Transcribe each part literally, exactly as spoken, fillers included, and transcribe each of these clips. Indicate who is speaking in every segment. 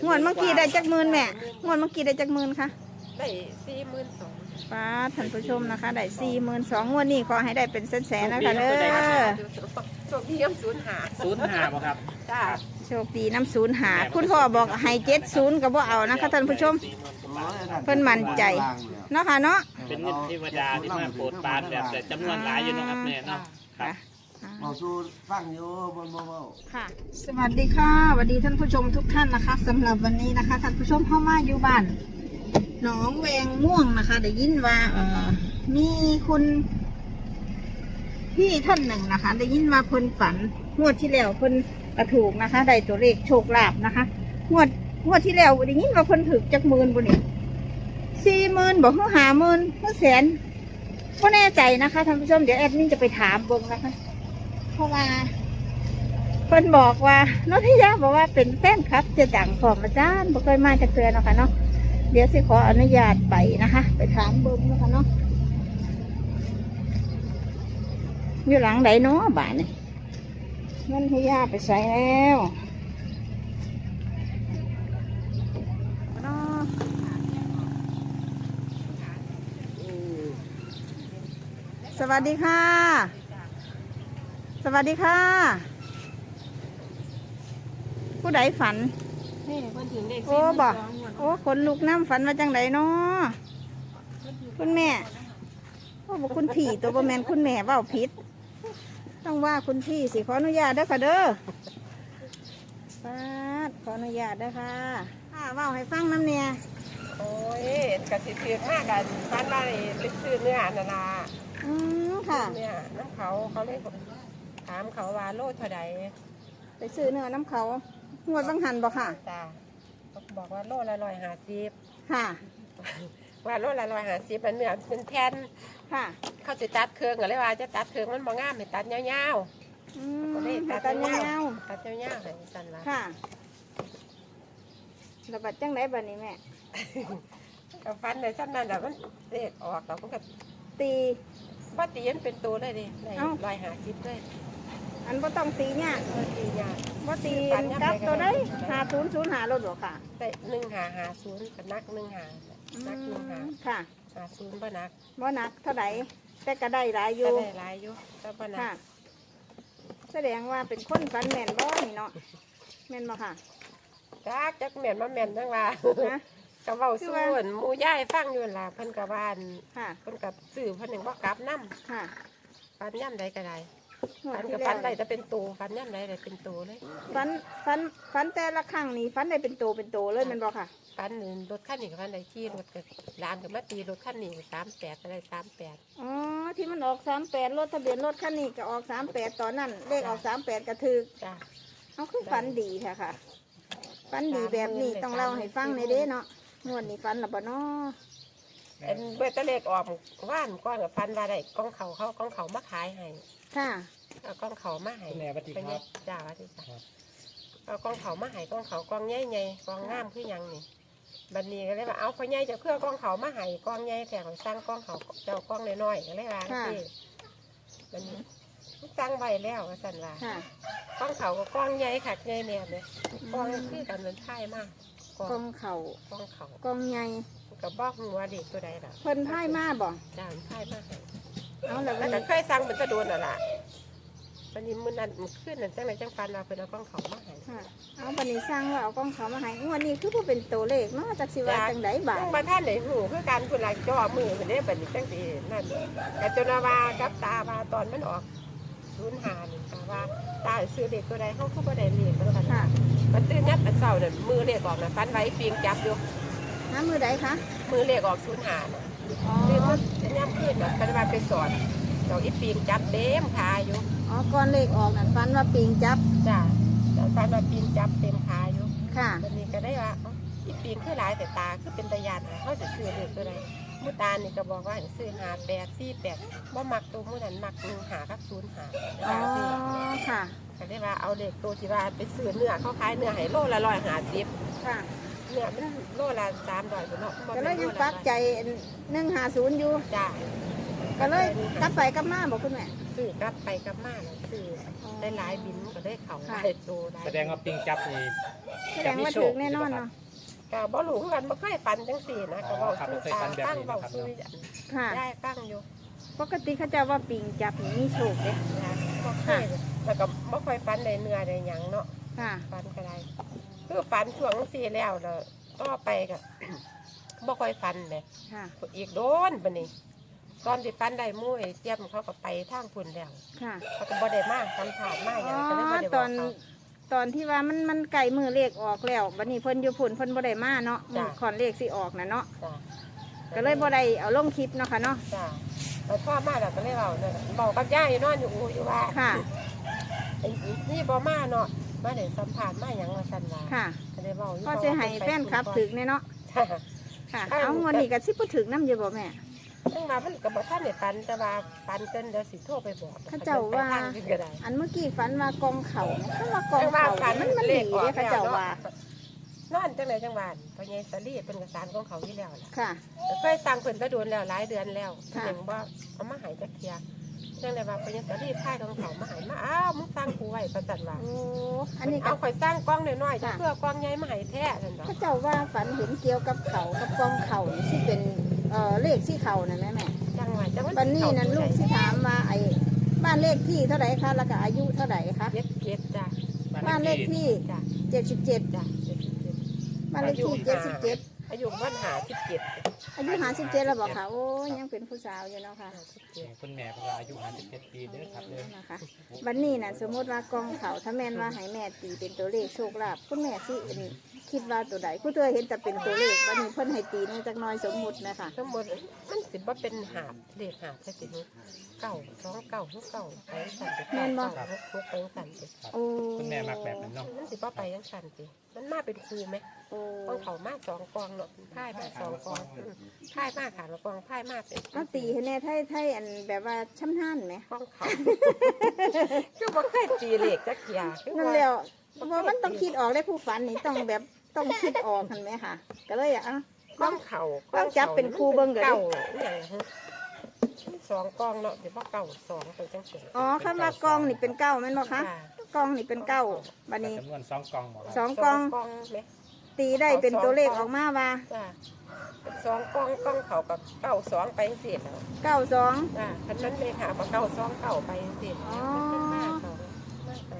Speaker 1: งวดเมื่อกี้ได้จักหมื่นแม่งวดเมื่อกี้ได้จักหมื่นคะ
Speaker 2: ได้สี่หมื่นสอง
Speaker 1: ป้าท่านผู้ชมนะคะได้สี่หมื่นสองงวดนี้ขอให้ได้เป็นแสนๆนะคะเด้อ
Speaker 2: โชคดีน้ำศูนย์หา
Speaker 3: ศูนย์ห้าบ่ครับ
Speaker 2: จ้า
Speaker 1: โชคดีน้ำศูนย์หาคุณพ่อบอกให้เจ็ดศูนย์ก็บ่เอานะคะท่านผู้ชมเพิ่นมั่นใจเนาะค่ะเนาะ
Speaker 3: เป็นเงินเทวดาที่มาโปรดปรานแบบแต่จำนวนหลายอยู่เนาะครับแม่เนาะครับ
Speaker 4: เราสู้ฟังอยู่บนโมเบล
Speaker 1: ค่ะสวัสดีค่ะสวัสดีท่านผู้ชมทุกท่านนะคะสำหรับวันนี้นะคะท่านผู้ชมเข้ามาอยู่บ้านหนองแวงม่วงนะคะได้ยินว่าเอ่อมีคุณพี่ท่านหนึ่งนะคะได้ยินว่าเพิ่นฝันงวดที่แล้วเพิ่นกระถูกนะคะได้ตัวเลขโชคลาภนะคะงวดงวดที่แล้วได้ยินว่าเพิ่นถึกจักหมื่นบุนี่สี่หมื่นบอกเขาหาหมื่นเขาแสนก็แน่ใจนะคะท่านผู้ชมเดี๋ยวแอดมินจะไปถามเบิ่งนะคะเพราะว่าเพิ่นบอกว่าน้องทิยาบอกว่าเป็นแฟนคลับจะดังของอาจารย์บ่เคยมาจากเตือนเนาะค่ะเนาะเดี๋ยวสิขออนุญาตไปนะคะไปถามเบิ่งเนาะค่ะเนาะอยู่หลังไหนเนาะบ้านนี่น้องทิยาไปใส่แล้วสวัสดีค่ะสวัสดีค่ะผู้ใดฝันโอ้บอกโอ้ขนลุกน้ำฝันมาจังไดเนาะคุณแม่โอ้บอกคุณพี่ตัวบะแมนคุณแม่เว้าผิดต้องว่าคุณพี่สิขออนุญาตเด้อค่ะเด้อป้าขออนุญาตเด้อค่ะค่ะเว้าให้ฟังน้ำเนี่ย
Speaker 2: โอ้ยกะสิเถือกมากกันฟันมาเลยไปซื้อเนื้อนานา
Speaker 1: อืมค่ะ
Speaker 2: เนี่ยน้ำเขาเขาเลยถามเขาว่าโลเท่าใด
Speaker 1: ไปซื้อเนื้อน้ำเขางวดบังหันบอกค่ะ
Speaker 2: จ้าเขาบอกว่าโลละร้อยห้าสิบ
Speaker 1: ค่ะ
Speaker 2: ว่าโลละร้อยห้าสิบมันเนื้อเป็นแทน
Speaker 1: ค่ะ
Speaker 2: เขาจะตัดเครื่องกันเลยว่าจะตัดเครื่องมันบ่งามให้ตัดยาว
Speaker 1: ๆอืม
Speaker 2: ตัดยาวตัดยาวๆให้สันว่า
Speaker 1: ค่ะระบาดจังไรบ้านี้แม่
Speaker 2: กับฟันในสั้นนั้นแต่มันเด็กออกเราก็
Speaker 1: ตี
Speaker 2: ว่าตีมันเป็นตัวเลยดิในร้อยห้าสิบเลย
Speaker 1: อันว่าต้องตีเนี่ย
Speaker 2: ตีเนี่ย
Speaker 1: ว่าตีกับตัวได้หาศูนย์ศูนย์หารถหรอค่ะ
Speaker 2: แต่หนึ่งหาหาศูนย์กับนักหนึ่งหานักหนึ่งหา
Speaker 1: ค่ะ
Speaker 2: หาศูนย์บ่นัก
Speaker 1: บ่นักเท่าไหร่แต่ก็ได้หลายอยู่
Speaker 2: ได้หลายอยู่แต่บ่นัก
Speaker 1: แสดงว่าเป็นคนฟันแม่นบ่นี่เนาะแม่นบ่ค่ะ
Speaker 2: จักจักแม่นมาแม่นจังว่ากับเว้าส่วนหมู่ย่ายฟังอยู่ล่ะเพิ่นกับบ้านเพิ่นกับสื่อเพิ่นหนึ่งว่ากลับน้ำ
Speaker 1: ค่ะ
Speaker 2: ฟันย่ำใดก็ได้ฟันกับฟันใดจะเป็นตัวฟันย่ำใดได้เป็นตัวเลย
Speaker 1: ฟันฟันฟันแต่ละครั้งนี่ฟันได้เป็นตัวเป็นตัวเลยมันบอกค่ะ
Speaker 2: ฟันหนึ่งรถขั้นหนึ่งกับฟันใดที่รถกับร้านกับมาตีรถขั้นหนึ่งสามแปดอะไรสามแปด
Speaker 1: อ๋อที่มันออกสามแปดรถทะเบียนรถขั้นนี้ก็ออกสามแปดตอนนั้นเลขออกสามแปดกระถือ
Speaker 2: จ้ะ
Speaker 1: เอาคือฟันดีค่ะค่ะฟันดีแบบนี้ต้องเล่าให้ฟังในเด้เนาะงวดนี้ฟันหรือเปล่าเนาะ
Speaker 2: เอ็นเบตเล็กออกว่านก้อนกับฟันว่าได้กองเขาเขากองเขามาขายให้
Speaker 1: ค่ะ
Speaker 2: เอากองเขามาให้
Speaker 3: แม่ปฏิครับ
Speaker 2: จ้าปฏิครับเอากองเขามาให้กองเขากองใหญ่ใหญ่กองงามคือยังนี่บัดนี้ก็เลยว่าเอาเขาใหญ่จะเครื่องกองเขามาให้กองใหญ่แต่เขาสร้างกองเขาเจ้ากองน้อยๆก็เลยว่าที่บัดนี้สร้างไว้แล้วก็สั่นว่ากองเขาก็กองใหญ่ขัดใหญ่แนบเลยกองคือกันเหมือนไพ่มาก
Speaker 1: กองเขา
Speaker 2: กองเขา
Speaker 1: กองใหญ่
Speaker 2: กับบอกหัวเด็กตัวใดล่ะ
Speaker 1: เพิ่นไพ่มาบ่
Speaker 2: จ้าไพ่มา
Speaker 1: เอาแล้ว
Speaker 2: แต่เคยสั่งเป็นตะโดนอะไรวันนี้มือนั่นมือขึ้นนั่นจังไรจังฟันเราเป็นเอากล้องเขามาให้
Speaker 1: เอาวันนี้สร้างว่าเอากล้องเขามาให้วันนี้คือผู้เป็นตัวเลขเนาะจากสิว่าจังไดบ่า
Speaker 2: มาท่านไหนหูคือการคุณหลังจ่อมือเหมือนได้แบบนี้จังสีนั่นแต่จนว่ากับตาว่าตอนมันออกรุนหานี่ค่ะว่าตาซื้อเด็กตัวใดเขาเขาบ่ได้เลี้ยงมันค่ะมันตื่นยัดมันเศร้าเนี่ยมือเรียกออกนะฟันไว้ปีงจับอยู่
Speaker 1: น้ำมือใดคะ
Speaker 2: มือเรียกออกรุนหาตื่นมันยับขึ้นแบบกันว่าไปสอนดอกอีปีงจับเต็มขาอยู่
Speaker 1: อ๋อก้อนเลขออกนั่นฟันว่าปีงจับ
Speaker 2: จ้าฟันว่าปีงจับเต็มขาอยู่
Speaker 1: ค่ะ
Speaker 2: วันนี้ก็ได้ว่าอีปีงคือหลายแต่ตาคือเป็นตะยานเขาจะซื้อเด็กตัวใดมุตานี่ก็บอกว่าซื้อหาแปดสี่แปดว่ามักตัวมุนั้นมักหนึ่งหากับศูนย์หา
Speaker 1: อ๋อค่ะ
Speaker 2: ก็ได้ว่าเอาเด็กตัวที่ว่าไปซื้อเนื้อเขาขายเนื้อให้โลละร้อยหาสิบ
Speaker 1: ค่ะ
Speaker 2: เนื้อมันโลละสามร้อยเนาะ
Speaker 1: ก็เลยยังปักใจหนึ่งหาศูนย์อยู่
Speaker 2: จ้า
Speaker 1: ก็เลยกลับไปกลับมาบอกคุณแม่
Speaker 2: ซื้อกลับไปกลับมาแล้วซื้อได้หลายบินก็ได้เขาหลายตัวหลาย
Speaker 3: แสดงว่าปิงจับนี่
Speaker 1: แสดงว่าถึงแน่นอนเนาะ
Speaker 2: ก็บ่รู้คือกันบ่เคยฝันจังซี่นะก็เว้าซื้อตาตั้งเว้าซื้อ
Speaker 1: ค่ะ
Speaker 2: ได้ตั้งอยู่
Speaker 1: ปกติเขาจะว่าปิงจับนี่มีโชคเด้
Speaker 2: นะบ่เคยแล้วก็บ่ค่อยฝันได้เนื้อได้หยังเนาะ
Speaker 1: ค่ะ
Speaker 2: ฝันก็ได้คือฝันช่วงจังซี่แล้วแล้วต่อไปก็ บ่ค่อยฝันเลย
Speaker 1: ค่ะ
Speaker 2: อีกโดนบัดนี้ตอนที่ฝันได้หมู่ไอ้เจี๊ยบเขาก็ไปทางพุ่นแล้ว
Speaker 1: ค่ะ
Speaker 2: เขาก็บ่ได้มาสัมภาษณ์มาห
Speaker 1: อ๋
Speaker 2: ยัง
Speaker 1: อ
Speaker 2: ก็เลยบ่ได้
Speaker 1: ต
Speaker 2: บ
Speaker 1: อ
Speaker 2: อก
Speaker 1: น
Speaker 2: เขา
Speaker 1: ตอนที่ว่ามันมันไก่มือเลขออกแล้วบัดนี้เพิ่นอยู่พุ่นเพิ่นบ่ได้มาเนาะมือคอนเลขสิออกน่ะเนาะ
Speaker 2: จ้ะ
Speaker 1: ก็เลยบ่ได้เอาลงคลิปเนาะค่ะเนาะ
Speaker 2: จ้ะแล้วพ่อมาแล้วก็เลยเว้าเนี่ยบอกกับย่าอยู่นอนอยู่อูอยู่ว่า
Speaker 1: ค่ะ
Speaker 2: ไอ้นี่บ่มาเนาะมาได้สัมภาษณ์มาหยังว่าซั่นว่า
Speaker 1: ค่ะ
Speaker 2: ก็เลยเว้าอยู่
Speaker 1: ก็สิให้แฟนคลับถึกแน่เนาะ
Speaker 2: จ้ะ
Speaker 1: ค่ะ เอางวดนี้ก็สิบ่ถึกนำอยู่บ่แม่
Speaker 2: จังว่ามันก็บ่ทันได้ฝันแต่ว่าฝันเกินเดี๋ยวสิโทรไปบอก
Speaker 1: เขาเจ้าว่า
Speaker 2: ไปทงอื่นก็ได้
Speaker 1: อันเมื่อกี้ฝันว่ากองเขาเนี่ยคำว่ากองเขามันมันดีเด้เขาเจ้าว่า
Speaker 2: นอนจังไดจังหวานพ่อใหญ่สลีเป็นกระสานของเขาอยู่แล้วล่ะ
Speaker 1: ค่ะ
Speaker 2: แต่เคยสั่งเพิ่นก็โดนแล้วหลายเดือนแล้ว
Speaker 1: ค่ะ
Speaker 2: ยังบ่เอามาใหายจักเที่ยจังไดว่าพ่อใหญ่สลีพายของเขามาใหายมาอ้าวมึงสั่งกูไว้ประจันว่า
Speaker 1: โอ้อันนี้ก็
Speaker 2: เอาข่อยสร้างกล้องน้อยๆจะ
Speaker 1: ค่ะ
Speaker 2: เพื่อกล้องใหญ่มาให้แท้นั่นดอก
Speaker 1: เขาเจ้าว่าฝันเห็นเกี่ยวกับเขากับกองเขานี่สิเป็นเอ่อเลขที่เขาน่ะแม่แม่
Speaker 2: จังหวะจังหวะ
Speaker 1: วันนี้นั้นลูกสิถามว่าไอ้บ้านเลขที่เท่าไหร่คะแล้วก็อายุเท่าไหร่คะ
Speaker 2: เจ็ดเจ็ดจ้ะ
Speaker 1: บ้านเลขที่
Speaker 2: จ้ะ
Speaker 1: เจ็ดสิบเจ็ด
Speaker 2: จ้ะเจ็ดสิบเจ็ด
Speaker 1: บ้านเลขที่เจ็ดสิบเจ็ด
Speaker 2: อายุบ้านหาสิบเจ็ด
Speaker 1: อายุหาสิบเจ็ดแล้วบอกค่ะโอ้ยยังเป็นผู้สาวอยู่เนาะค่ะ
Speaker 2: ห้าสิบเจ็ด
Speaker 3: คุณแม่เพราะว่าอายุห้าสิบเจ็ดปีเด้อครับเด้อ
Speaker 1: นะคะวันนี้น่ะสมมติว่ากองเขาถ้าแม่นว่าให้แม่ตีเป็นตัวเลขโชคลาภคุณแม่สิเอ็นคิดว่าตัวใดผู้เธอเห็นแต่เป็นตัวเลขวันนี้เพิ่นให้ตีนึงจักหน้อยสมมุตินะคะ
Speaker 2: ทั้งหมดมันสิบ่เป็นหาบเลขหาบแค่สิเก้าสองเก้าหกเก้าไปสั่นไปเก้าเก้าหกหกไปสั่นสิ
Speaker 1: โอ้
Speaker 3: คุณแม่มักแบบนั้นเนาะ
Speaker 2: มันสิบ่ไปยังสั่นสิมันมาเป็นครูไหม
Speaker 1: โอ้
Speaker 2: กองเขามาสองกองเนาะพ่ายมาสองกองอืมพ่ายมาขาดกองพ่ายมาเป็น
Speaker 1: เอาตีให้แน่ไทยไทยอันแบบว่าช้ำท่านไหม
Speaker 2: กองเขา คือบ่เคยตีเลขจักอย่างคือ
Speaker 1: นั่น
Speaker 2: ว่า
Speaker 1: แหล้วเพราะมันต้องคิดออกได้ผู้ฝันนี่ต้องแบบต้องคิดออกกันไหมค่ะ ก็เลยอ่ะ
Speaker 2: กองเขา
Speaker 1: ต้องจับเป็นครูเบิ่งเด้อ
Speaker 2: เก่าอย่างฮะสองกองเนาะเดี๋ยวว่าเก่าสองไปจังสิ
Speaker 1: อ๋อคำว่ากองนี่เป็นเก้าแม่นบ่คะ
Speaker 2: ค่ะ
Speaker 1: กองนี่เป็นเก้าบัดนี้
Speaker 3: จำนวนสองกล่องหมด
Speaker 1: สองกอง
Speaker 2: กองไหม
Speaker 1: ตีได้เป็นตัวเลขออกมาว่า
Speaker 2: จ้าเป็นสองกองกองเขากับเก่าสองไปจังสิแล้ว
Speaker 1: เก้าสอง
Speaker 2: จ้าคันนั้นเลยค่ะพอเก่าสองเก่าไปจังสิ
Speaker 1: อ๋อ
Speaker 2: มันเป็นห้าสองห้าสอง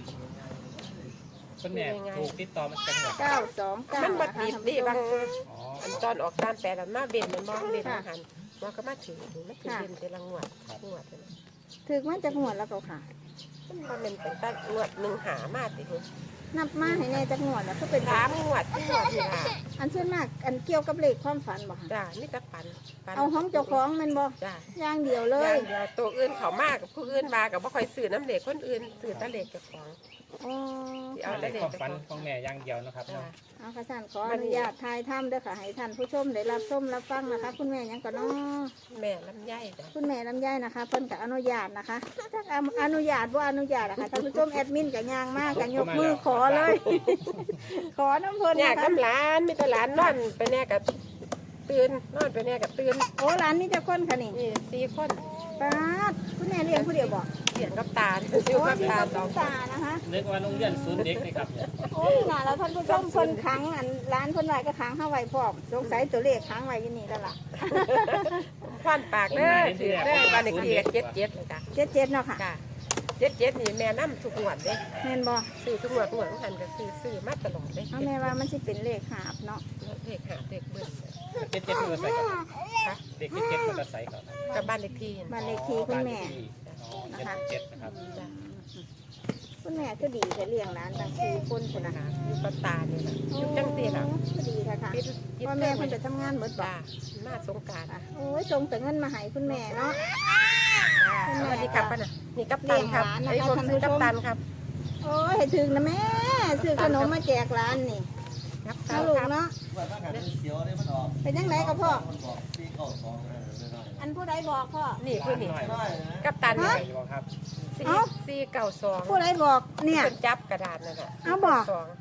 Speaker 3: คุณแม่ถูกติดต่อมาจากไหน
Speaker 1: เก้าสองเก้า
Speaker 2: มันบั
Speaker 1: นะ
Speaker 2: ด
Speaker 1: คะ
Speaker 2: ดี
Speaker 1: ท่าน
Speaker 2: ดี
Speaker 1: ผู้ช
Speaker 2: บาง
Speaker 1: ม
Speaker 3: อ๋อ
Speaker 2: อันตอนออกตามแปดอันมาเบนมันมองเบน
Speaker 1: ค่ะ
Speaker 2: อาหารมันก็มาถือมันถือเบนเป็นรางวัลงวดเลย
Speaker 1: ถึกมันจะหัวดแล้วก็ค่ะ
Speaker 2: มันบ่เป็นเป็นตั้งงวดหนึ่งหามาติคุณ
Speaker 1: นับมาให้แน่จักหัวดแล้วก็เป็น
Speaker 2: สามงวดที่งวดที่หา
Speaker 1: อันส่วนมากอันเกี่ยวกับเลขความฝันบ่ค่ะ
Speaker 2: จ้านี่ตะปันปัน
Speaker 1: เอาห้องเจ้าของแมันบ่
Speaker 2: จ้า
Speaker 1: อย่างเดียวเล
Speaker 2: อย ย่างเดียวตัวอื่นเขามากกับผู้อื่นมากับบ่ค่อยซื้อน้ำเหล็กคนอื่นซื้อแตะเหล็กเจ้าของ
Speaker 1: อ๋อ
Speaker 2: เอา
Speaker 3: เลขความฝันของแม่อย่างเดียวนะครับ
Speaker 2: จ้า
Speaker 3: เนาะ
Speaker 1: เอาค่ะท่านขออนุญาตทายถ้ำเด้อค่ะให้ท่านผู้ชมได้รับชมรับฟังนะคะ คุณแม่หยังก็เนาะ
Speaker 2: แม่ลำไยจ้ะ
Speaker 1: คุณแม่ลำไยนะคะเพิ่นก็อนุญาตนะคะถ้าอนุญาตว่าอนุญาตนะคะท่านผู้ชมแอดมินก็ย่างมากก็ยกมือขอเลย ขอน้ำเพิ่น
Speaker 2: เนี่ย
Speaker 1: นะคะ
Speaker 2: กำหลานมีแต่หลานนอนไปแน่กับตื่นนอนไปแน่กับตื่น
Speaker 1: โอ้ร้านนี้จะคนค่ะนี่
Speaker 2: นี่สี่คน
Speaker 1: ป้าดคุณแม่เลี้ยงผู้เดียวบอก
Speaker 2: เสียงกับตาอยู่
Speaker 1: โอ้
Speaker 2: กับ
Speaker 1: ที่
Speaker 2: ตา
Speaker 1: กับ
Speaker 2: สอง
Speaker 1: ตานะคะ
Speaker 3: นึกว่าโรงเรียนศูนย์เด็กนี่ครับเนี่ย
Speaker 1: โอ้ยน่ะแล้วท่านผู้ชมเพิ่นขังอันร้านเพิ่นไว้ก็ขังเข้าไว้พร้อมสงสัยตัวเลขขังไว้อยู่นี่แล้วล่ะ
Speaker 2: ควันปากเด้อถือเด้อบ้านเด็กที่เจ็ดเจ็ดเลยจ้ะ
Speaker 1: เจ็ดเจ็ดเนาะค่ะ
Speaker 2: จ้ะเจ็ดเจ็ดนี่แม่น้ำทุกงวดเด้
Speaker 1: แม่นบ่
Speaker 2: ซื้อทุกงวดทุกงวดทันก็ซื้อซื้อมาตลอดเด้
Speaker 1: เอาแม่ว่ามันสิเป็นเลขหาบเนาะ
Speaker 2: เลขหาเลขเบิ้ล
Speaker 3: เจ็ดเจ็ดมอเตอร์ไซค์ครับ
Speaker 2: ค่ะ
Speaker 3: เด็กเจ็ดเจ็ดมอเตอร์ไซค์ครับ
Speaker 2: กับบ้านเด็กที่
Speaker 1: บ้านเลขที่คุณแม่
Speaker 3: อ๋อเจ็ดเจ็ดนะครับ
Speaker 2: จ้ะ
Speaker 1: คุณแม่ก็ดีแต่เลี้ยงร้านตั้งสี่คนคุณนะคะ
Speaker 2: อยู่กับตาเนี่ยนะอยู่จังสีน่ะ
Speaker 1: ก็ดีค่ะค่ะ
Speaker 2: ปิดปิด
Speaker 1: พ่อแม่เพิ่นไปทำงานหมดบ่
Speaker 2: จ้ามาสงกราร
Speaker 1: อ่ะโอ้ยส่งแต่เงินมาให้คุณแม่เนาะ
Speaker 2: สวัสดีครับป้าน่ะนี่กัปตันครับ
Speaker 1: เลี้ยงหลานนะคะ
Speaker 2: ไอ้ผมซื้อ
Speaker 1: ท่านผู้ชม
Speaker 2: กัปตันครับ
Speaker 1: โอ้ยให้ถึงนะแม่ซื้อขนมมาแจกร้านนี่
Speaker 2: กัปตั
Speaker 1: เอา
Speaker 2: น
Speaker 1: ลูก
Speaker 2: ครับ
Speaker 1: เนาะ
Speaker 4: ว่าถ้าการเสียวเนี่ยมันออก
Speaker 1: เป็นยังไงกับพ่อ
Speaker 4: มันบอกสี่เก้าสองนะน้อย
Speaker 1: อันผู้ใดบอกพ่อ
Speaker 2: นี่คือนี่
Speaker 4: ๆน้อยนะ
Speaker 2: กัปตัน
Speaker 1: ฮะ
Speaker 2: นี่
Speaker 3: อยู่ครับ
Speaker 2: สี่
Speaker 1: เอ้า
Speaker 2: สี่เก้าสอง
Speaker 1: ผู้ใดบอกเนี่ย
Speaker 2: เป็นจับกระดาษนั่นน่ะ
Speaker 1: เอาบอก
Speaker 2: สอง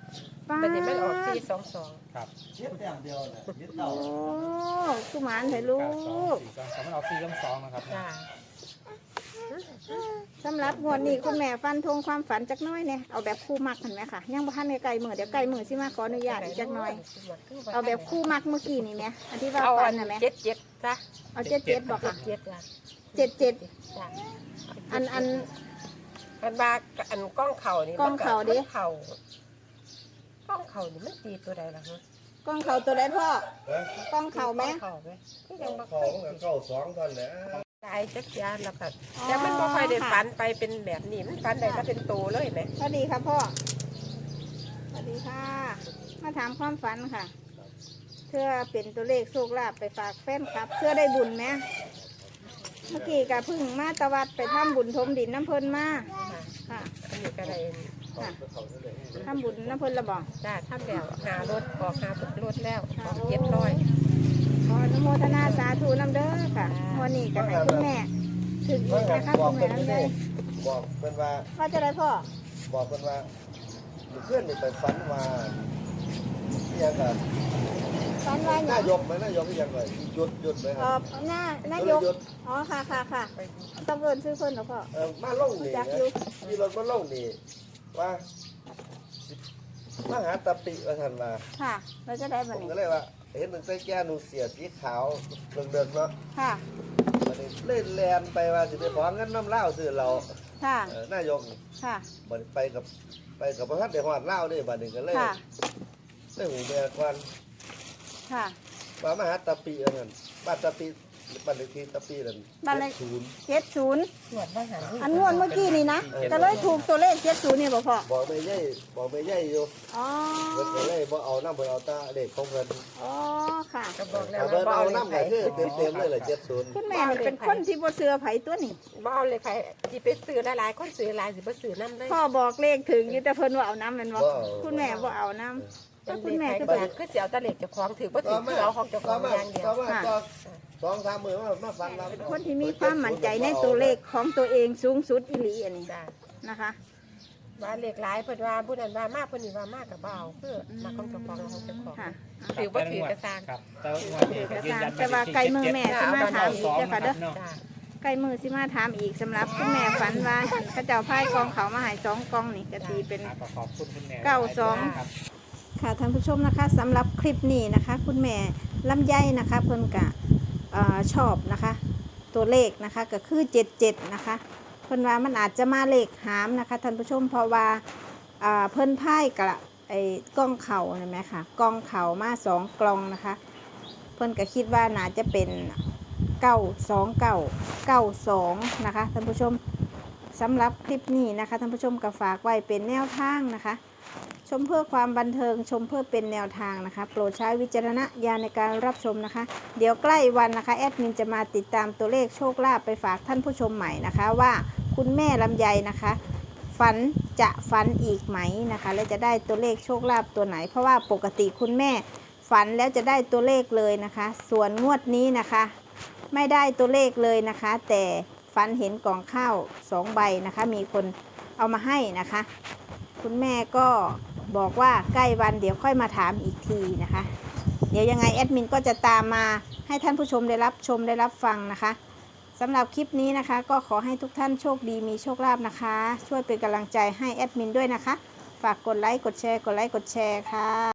Speaker 1: ป้า
Speaker 2: บัดนี้มันออกสี่สองสอง
Speaker 3: ครับ
Speaker 4: เช็ดแต้มเดียวน่ะยึด
Speaker 1: โอ้
Speaker 4: เต่า
Speaker 1: คือหมานเถอะลู
Speaker 3: เก้าสอง
Speaker 1: ก
Speaker 3: สี่สองสองมันออกสี่สองสองนะครับ
Speaker 2: จ้า
Speaker 1: สำหรับงวดนี้คุณแม่ฟันธงความฝันจักหน้อยเนี่ยเอาแบบคู่มักเห็นไหมคะยังบ่ทันในไก่มือเดี๋ยวไก่มือสิมาขออนุญาตอีกจักหน่อย เอาแบบคู่มักเมื่อกี้นี่ไหมอันที่ว่า
Speaker 2: เอา
Speaker 1: ฟั
Speaker 2: อั
Speaker 1: น
Speaker 2: น
Speaker 1: น่ะไหม
Speaker 2: เจ็ดเจ็ดจ้ะ
Speaker 1: เอาเจ็ดเจ็ดบอก
Speaker 2: เจ็
Speaker 1: ค่ะ
Speaker 2: ดเจ็ดจ้ะ
Speaker 1: เจ็ดเจ็ด
Speaker 2: จ้ะ
Speaker 1: อันอัน
Speaker 2: อันบาอันกล้องเข่านี่
Speaker 1: กล้องเข่าดิ
Speaker 2: มันเข่ากล้องเข่านี่มันตีตัวใดล่ะฮะ
Speaker 1: กล้องเข่าตัวใดพ่อ
Speaker 4: ฮะ
Speaker 1: กล้องเข่าไหม
Speaker 2: กล้องเข่าไหมก็ยังบ่
Speaker 4: สองกับเก้าสองเท่านั้นแหละ
Speaker 2: ตายจักยานแล้วก็
Speaker 1: อ๋อ
Speaker 2: แต่มันบ่ค่อยได้
Speaker 1: ค่ะ
Speaker 2: ฝันไปเป็นแบบนี้มันฝันได้ก็เป็นโตเลยไหม
Speaker 1: สวัสดีค่ะพ่อสวัสดีค่ะ มาถามความฝันค่ะเพื่อเป็นตัวเลขโชคลาภไปฝากแฟนครับ เพื่อได้บุญไหมเมื่อกี้กะพึ่งมาตะวัดไปทำบุญทมดินน้ำเพลินมา
Speaker 2: ค่ะ
Speaker 1: ค่ะ
Speaker 2: อันนี้ก็ได้
Speaker 1: ค่ะทำบุญน้ำเพลินระบอก
Speaker 2: จ้าทำแล้วหารถออกหารถแล้วออกเจ็ดร้อย
Speaker 1: ขออนุโมทนาสาธุน้ำเด้อค่ะวันนี้ก็ให้คุณแม่ถึงอีกนะคะ
Speaker 4: บอ
Speaker 1: คุ
Speaker 4: ก
Speaker 1: ณ
Speaker 4: เพิ่
Speaker 1: แม่
Speaker 4: น
Speaker 1: น้ำใจ
Speaker 4: บอกเพิ่นว่า
Speaker 1: ว่าจะได้พ่อ
Speaker 4: บอกเพิ่นว่าเพื่อนนี่ไปฝันว่าเรียกกับ
Speaker 1: ฝันว่าหยั
Speaker 4: นาง ยกไหมนายกที่ยังไงหยุดหยุดไหมค
Speaker 1: เอ
Speaker 4: รั
Speaker 1: อบ หน้าหน้ายก
Speaker 4: หยุด
Speaker 1: อ๋อค่ะค่ะค่ะต้องเอินซื้อเพิ่นเหรอพ่อ
Speaker 4: เออมาลงนี่
Speaker 1: จัก
Speaker 4: นะ
Speaker 1: อยู่
Speaker 4: ที่รถมาลงนี่ว่ามาหาตะปิว่าท่านว่า
Speaker 1: ค่ะเราจะได้
Speaker 4: ผ
Speaker 1: บัน
Speaker 4: ม
Speaker 1: นี้
Speaker 4: ก็เลยว่า เห็นหนึ่งใส่แก้วหนูเสียสีขาวเดิมๆเนาะ
Speaker 1: ค่ะ
Speaker 4: บัดนี้เล่นแลนไปว่าสิไปขอเงินน้ำเหล้าซื้อเรา
Speaker 1: ค่ะ
Speaker 4: เออนายกนี่
Speaker 1: ค่ะ
Speaker 4: บัดนี้ไปกับไปกับพระพัฒน์เดชฮอดเหล้านี่บัดนี้ก็เลย
Speaker 1: ค่ะ
Speaker 4: ได้หูเมียควัน
Speaker 1: ค่ะ
Speaker 4: ว่ามาหาตะปีอันนั้นบ้านตะปีบ้านเลขที่ตะปีนั่น
Speaker 1: บ้านเลข
Speaker 4: ศูนย์
Speaker 1: เจ็ดศูนย์
Speaker 2: ตรวจว่าหา
Speaker 1: อันงวดเมื่อกี้นี่นะก็เลยถูกตัวเลขเจ็ดศูนย์นี่บ่พ่อ
Speaker 4: บอกไม่ใช่บอกไม่ใช่อยู่
Speaker 1: อ๋อ
Speaker 4: เพิ่นก็เลยบ่เอาน้ำเพิ่นเอาตาเด็กของเพิ่น
Speaker 1: อ๋อค่ะ
Speaker 2: ก็บอกแล้ว
Speaker 4: ถ้า
Speaker 2: ว่า
Speaker 4: เพิ่น
Speaker 2: บ่
Speaker 4: เอา
Speaker 2: เอาเลข
Speaker 4: น้ำ
Speaker 2: ไผ
Speaker 4: ก็คือเต็มๆเลยแหละเจ็ดศูนย์
Speaker 1: คุณแม่นี่เป็นคนที่บ่เสือไผตัวนี่
Speaker 2: บ่เอาเลขไผที่ไปซื้อหลายๆคนซื้อหลายสิบ่ซื้อนำเลย
Speaker 1: พ่อบอกเลขถึงอยู่แต่เพิ่นว่าเอาน้ำแมันบ่คุณแม่บ่เอาน้ำแต่คุณแม่คือ
Speaker 2: ก็
Speaker 1: แบบ
Speaker 2: คือสิเอาแตะเลขเจ้าของถือบ่ถือคือเอาของเจ้าของอย่างเดียว
Speaker 4: ต่อมาต่อสองสามมื้อมามาฟังเรา
Speaker 1: เป็นคนที่มีความมั่นใจในตัวเลขของตัวเองสูงสุดอีหลีอันนี้
Speaker 2: จ้า
Speaker 1: นะคะ
Speaker 2: ว่าเลขหลายเพิ่นว่าผู้นั้นว่ามากเพิ่นนี่ว่ามากก็บ่เอาคือมาของเจ้าของเอาของเจ้าของ
Speaker 1: ค่ะ
Speaker 2: ถือบ่ถือกระซาง
Speaker 3: ครับแต่ว่า
Speaker 1: ถือกระซางแต่ว่าไก่มือแม่สิมาถามอีกเจ้าค่ะเด้อ
Speaker 2: จ้า
Speaker 1: ใกล้มือสิมาถามอีกสำหรับคุณแม่ฝันว่าเข้าเจ้าพายกองเขามาใหายสองกองนี่ก็ตีเป็น
Speaker 3: ขอขอบคุณคุณแม่
Speaker 1: เก้าสอง
Speaker 3: ครับ
Speaker 1: ค่ะท่านผู้ชมนะคะสำหรับคลิปนี้นะคะ คุณแม่ลำไยนะคะเพิ่นกะเอ่อชอบนะคะ ตัวเลขนะคะก็คือเจ็ดเจ็ดนะคะเพิ่นว่ามันอาจจะมาเลขหามนะคะท่านผู้ชมเพราะว่าอ่าเพิ่นพายกะไอ้กล้องเข่าเห็นไหมคะกล้องเข่ามาสองกล่องนะคะ เพิ่นก็คิดว่าน่าจะเป็นเก้าสองเก้าเก้าสองนะคะท่านผู้ชมสำหรับคลิปนี้นะคะท่านผู้ชมก็ฝากไว้เป็นแนวทางนะคะ ชมเพื่อความบันเทิงชมเพื่อเป็นแนวทางนะคะ โปรดใช้วิจารณญาณในการรับชมนะคะ เดี๋ยวใกล้วันนะคะแอดมินจะมาติดตามตัวเลขโชคลาภไปฝากท่านผู้ชมใหม่นะคะว่าคุณแม่ลำไยนะคะ ฝันจะฝันอีกไหมนะคะ และจะได้ตัวเลขโชคลาภตัวไหน เพราะว่าปกติคุณแม่ฝันแล้วจะได้ตัวเลขเลยนะคะ ส่วนงวดนี้นะคะ ไม่ได้ตัวเลขเลยนะคะ แต่ฝันเห็นกล่องข้าวสองใบนะคะ มีคนเอามาให้นะคะ คุณแม่ก็บอกว่าใกล้วันเดี๋ยวค่อยมาถามอีกทีนะคะ เดี๋ยวยังไงแอดมินก็จะตามมาให้ท่านผู้ชมได้รับชมได้รับฟังนะคะสำหรับคลิปนี้นะคะ ก็ขอให้ทุกท่านโชคดีมีโชคลาภนะคะ ช่วยเป็นกำลังใจให้แอดมินด้วยนะคะ ฝากกดไลค์กดแชร์กดไลค์กดแชร์ค่ะ